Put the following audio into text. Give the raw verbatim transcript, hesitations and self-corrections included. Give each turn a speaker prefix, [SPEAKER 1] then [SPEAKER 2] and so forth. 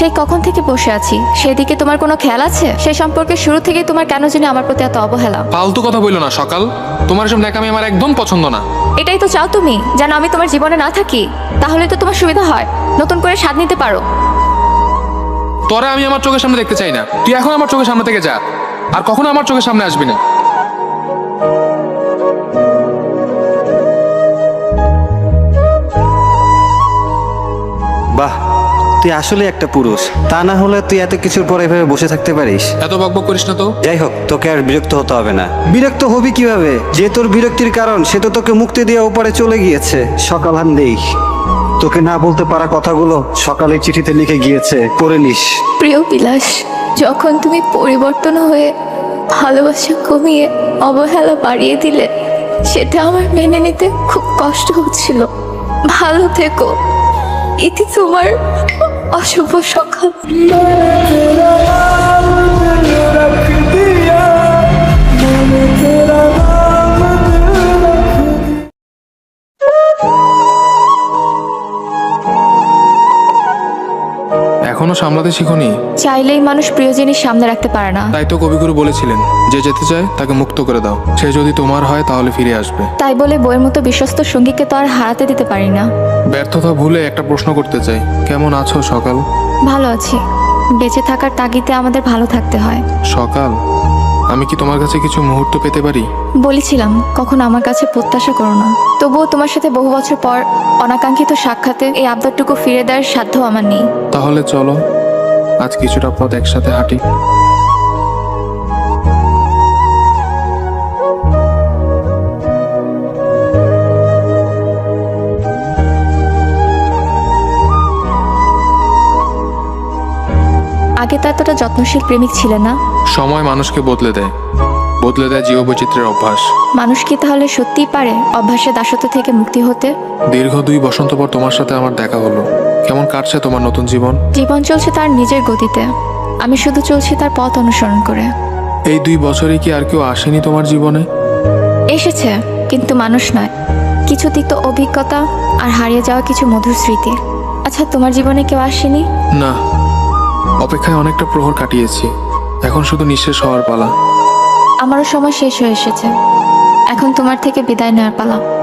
[SPEAKER 1] সেই কখন থেকে বসে আছি, সেদিকে তোমার কোনো খেয়াল আছে? সে সম্পর্কে শুরু থেকেই তোমার কেন জানি আমার প্রতি এত অবহেলা।
[SPEAKER 2] ফালতু কথা বললো না সকাল, তোমার এসব ন্যাকামি আমার একদম পছন্দ না।
[SPEAKER 1] এটাই তো চাও তুমি, যেন আমি তোমার জীবনে না থাকি? তাহলে তো তোমার সুবিধা হয়, নতুন করে স্বাদ নিতে পারো।
[SPEAKER 2] তোরা আমি আমার চোখের সামনে দেখতে চাই না। তুই এখন আমার চোখের সামনে থেকে যা, আর কখনো আমার চোখের সামনে আসবি না।
[SPEAKER 3] বাহ, তুই আসলে একটা পুরুষ। তা না হলে তুই এত কিছুর পর এভাবে বসে থাকতে পারিস?
[SPEAKER 2] এত বকবক করিস না তো।
[SPEAKER 3] যাই হোক, তোকে আর বিরক্ত হতে হবে না। বিরক্ত হবি কিভাবে? যে তোর বিরক্তির কারণ সে তো তোকে মুক্তি দিয়ে ওপারে চলে গিয়েছে। সকাল হান্দেই তোকে না বলতে পারা কথাগুলো সকালে চিঠিতে লিখে গিয়েছে, পড়ে নিস।
[SPEAKER 1] প্রিয় বিলাস, যখন তুমি পরিবর্তন হয়ে ভালোবাসা কমিয়ে অবহেলা বাড়িয়ে দিলে, সেটা আমার মেনে নিতে খুব কষ্ট হচ্ছিল। ভালো থেকো, এটি তোমার অশুভ সকাল।
[SPEAKER 2] এখনো সামলাতে শিখোনি?
[SPEAKER 1] চাইলেই মানুষ প্রিয় জিনিস সামনে রাখতে পারে না।
[SPEAKER 2] তাই তো কবিগুরু বলেছিলেন, যে যেতে চায় তাকে মুক্ত করে দাও। সে যদি তোমার হয় তাহলে ফিরে আসবে।
[SPEAKER 1] তাই বলে বইয়ের মতো বিশ্বস্ত সঙ্গীকে তো আর হারাতে দিতে পারি না।
[SPEAKER 2] ব্যর্থতা ভুলে একটা প্রশ্ন করতে চাই, কেমন আছো সকাল?
[SPEAKER 1] ভালো আছি। বেঁচে থাকার তাগিদে আমাদের ভালো থাকতে হয়।
[SPEAKER 2] সকাল, আমি কি তোমার কাছে কিছু মুহূর্ত পেতে পারি?
[SPEAKER 1] বলেছিলাম কখনো আমার কাছে প্রত্যাশা করো না, তবুও তোমার সাথে বহু বছর পর অনাকাঙ্ক্ষিত সাক্ষাতে এই আবদারটুকু ফিরে দেওয়ার সাধ্য আমার নেই।
[SPEAKER 2] তাহলে চলো আজ কিছুটা পথ একসাথে হাঁটি।
[SPEAKER 1] আগে তো এতটা যত্নশীল প্রেমিক ছিলে না।
[SPEAKER 2] সময় মানুষকে বদলে দেয়, বদলে দেয় জীববৈচিত্র্যের অভ্যাস।
[SPEAKER 1] মানুষ কি তাহলে সত্যিই পারে অভ্যাসে দাসত্ব থেকে মুক্তি হতে?
[SPEAKER 2] দীর্ঘ দুই বসন্ত পর তোমার সাথে আমার দেখা হলো। কেমন কাটছে তোমার নতুন জীবন?
[SPEAKER 1] জীবন চলছে তার নিজের গতিতে, আমি শুধু চলছি তার পথ অনুসরণ করে।
[SPEAKER 2] এই দুই বছরে কি আর কেউ আসেনি তোমার জীবনে?
[SPEAKER 1] এসেছে, কিন্তু মানুষ নয়, কিছু তিক্ত অভিজ্ঞতা আর হারিয়ে যাওয়া কিছু মধুর স্মৃতি। আচ্ছা, তোমার জীবনে কেউ আসেনি?
[SPEAKER 2] না, অপেক্ষায় অনেকটা প্রহর কাটিয়েছি, এখন শুধু নিঃশেষ হওয়ার পালা।
[SPEAKER 1] আমারও সময় শেষ হয়ে এসেছে, এখন তোমার থেকে বিদায় নেওয়ার পালা।